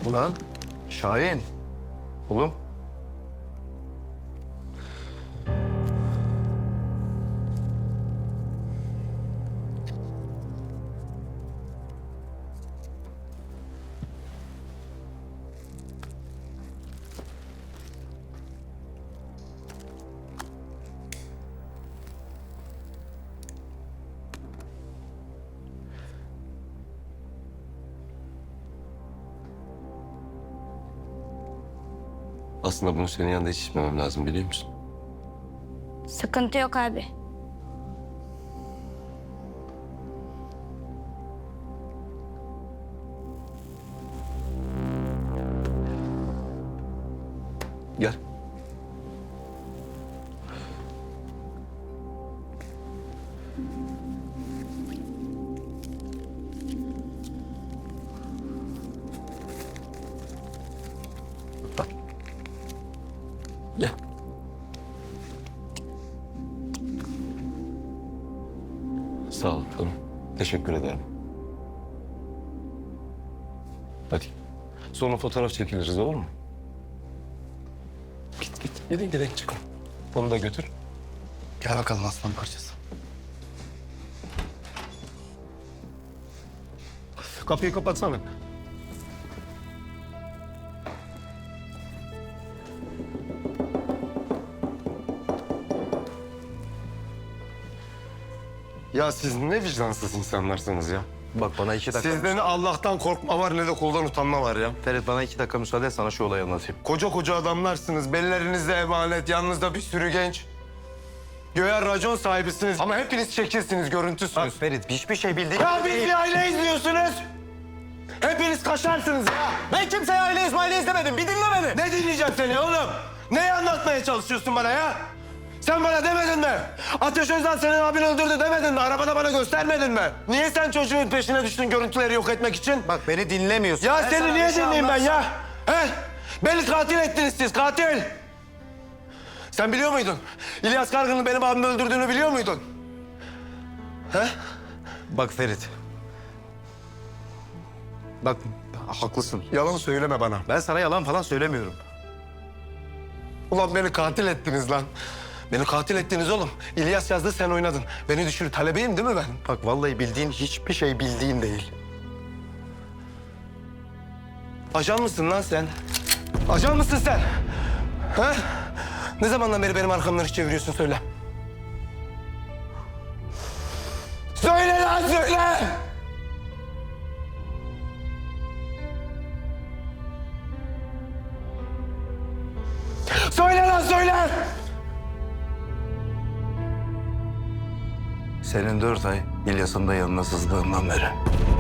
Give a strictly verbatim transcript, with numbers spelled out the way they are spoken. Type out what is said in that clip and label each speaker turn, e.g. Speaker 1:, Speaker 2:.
Speaker 1: Ulan Şahin. Oğlum.
Speaker 2: Aslında bunu senin yanında hiç içmemem lazım, biliyor musun?
Speaker 3: Sıkıntı yok abi.
Speaker 2: Gel. Bak. Gel. Sağ ol canım. Teşekkür ederim. Hadi. Sonra fotoğraf çekiliriz, olur mu? Git git. Gidin direkt çıkın. Onu da götür.
Speaker 1: Gel bakalım aslan parçası.
Speaker 2: Kapıyı kapatsana. Ya siz ne vicdansız insanlarsınız ya.
Speaker 1: Bak bana iki dakika...
Speaker 2: Sizde ne Allah'tan korkma var ne de kuldan utanma var ya.
Speaker 1: Ferit bana iki dakika müsaade et, sana şu olayı anlatayım.
Speaker 2: Koca koca adamlarsınız. Bellerinizde emanet, yanınızda bir sürü genç. Göğe racon sahibisiniz ama hepiniz şekilsiniz, görüntüsünüz.
Speaker 1: Bak Ferit, hiçbir şey bildiğin...
Speaker 2: Ya biz bir aile izliyorsunuz. Hepiniz kaşarsınız ya.
Speaker 1: Ben kimseye aile İsmail'i izlemedim, bir dinle beni.
Speaker 2: Ne dinleyeceğim seni oğlum? Neyi anlatmaya çalışıyorsun bana ya? Sen bana demedin mi? Ateş Özden senin abin öldürdü demedin mi? Arabada bana göstermedin mi? Niye sen çocuğun peşine düştün görüntüleri yok etmek için?
Speaker 1: Bak beni dinlemiyorsun.
Speaker 2: Ya
Speaker 1: Ben
Speaker 2: seni
Speaker 1: sana
Speaker 2: niye
Speaker 1: bir şey
Speaker 2: dinleyeyim ben
Speaker 1: anlatsam-
Speaker 2: ya? He? Beni katil ettiniz siz, katil. Sen biliyor muydun? İlyas Kargın'ın benim abimi öldürdüğünü biliyor muydun? He?
Speaker 1: Bak Ferit. Bak haklısın.
Speaker 2: Yalan söyleme bana.
Speaker 1: Ben sana yalan falan söylemiyorum.
Speaker 2: Ulan beni katil ettiniz lan. Beni katil ettiniz oğlum. İlyas yazdı, sen oynadın. Beni düşür, talebeyim değil mi ben?
Speaker 1: Bak vallahi bildiğin hiçbir şey bildiğin değil.
Speaker 2: Ajan mısın lan sen? Ajan mısın sen? Ha? Ne zamandan beri benim arkamdan iş çeviriyorsun, söyle. Söyle lan, söyle! Söyle lan, söyle!
Speaker 1: Senin dört ay İlyas'ın da yanına sızdığından beri.